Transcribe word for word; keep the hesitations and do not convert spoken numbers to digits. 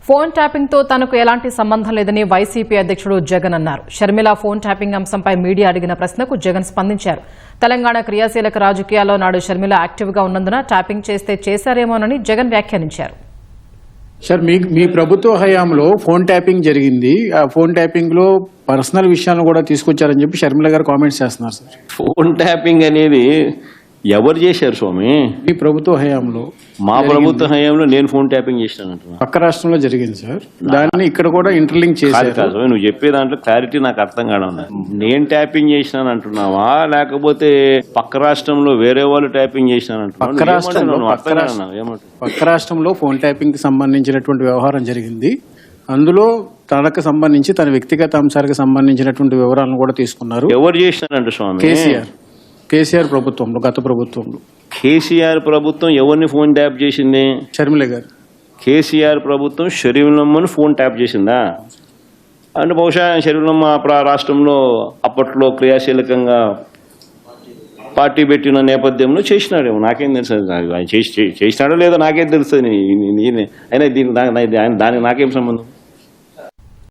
Phone tapping తో తనకు ఎలాంటి సంబంధం లేదని వైసీపీ అధ్యక్షుడు జగన్ అన్నారు. షర్మిల ఫోన్ ట్యాపింగ్ అంశంపై మీడియా అడిగిన ప్రశ్నకు జగన్ స్పందించారు. తెలంగాణ క్రియాశీలక రాజకీయాల్లో నాడు షర్మిల యాక్టివ్ గా ఉన్నందున ట్యాపింగ్ చేస్తే చేశారేమోనని జగన్ వ్యాఖ్యానించారు. సార్ మీ మీ ప్రభుత్వ హయాంలో ఫోన్ ట్యాపింగ్ జరిగింది. ఆ ఫోన్ ట్యాపింగ్ లో పర్సనల్ విషయాలను కూడా తీసుకొచ్చారని చెప్పి షర్మిల గారు కామెంట్స్ చేస్తున్నారు సార్. ఫోన్ ట్యాపింగ్ అనేది ఎవరు చేశారు స్వామి? మీ ప్రభుత్వ హయాంలో. మా ప్రభుత్వ హయాంలో నేను ఫోన్ ట్యాపింగ్ చేసినాను. పక్క రాష్ట్రంలో జరిగింది సార్. దాన్ని ఇక్కడ కూడా ఇంటర్లింక్ చేశారు. కాదు, నువ్వు చెప్పే దాంట్లో క్లారిటీ నాకు అర్థం కావడం. నేను ట్యాపింగ్ చేసినాను అంటున్నావా, లేకపోతే పక్క రాష్ట్రంలో వేరే వాళ్ళు ట్యాపింగ్ చేసినాను అంటున్నావా? పక్క రాష్ట్రంలో పక్క రాష్ట్రంలో ఫోన్ ట్యాపింగ్ కి సంబంధించినటువంటి వ్యవహారం జరిగింది. అందులో తనకు సంబంధించి తన వ్యక్తిగత అంశాలకు సంబంధించినటువంటి వివరాలను కూడా తీసుకున్నారు. ఎవరు చేసినారంట స్వామి? కేసీఆర్ కేసీఆర్ ప్రభుత్వంలో, గత ప్రభుత్వంలో. కేసీఆర్ ప్రభుత్వం ఎవరిని ఫోన్ ట్యాప్ చేసింది? షర్మిల గారు. కేసీఆర్ ప్రభుత్వం షర్మిలమ్మను ఫోన్ ట్యాప్ చేసిందా? అంటే బహుశా షర్మిలమ్మ రాష్ట్రంలో అప్పట్లో క్రియాశీలకంగా పార్టీ పెట్టిన నేపథ్యంలో చేసినాడేమో, నాకేం తెలుస్తుంది. ఆయన చేసినాడో లేదో నాకేం తెలుస్తుంది. అయినా దీనికి దానికి నాకేం సంబంధం?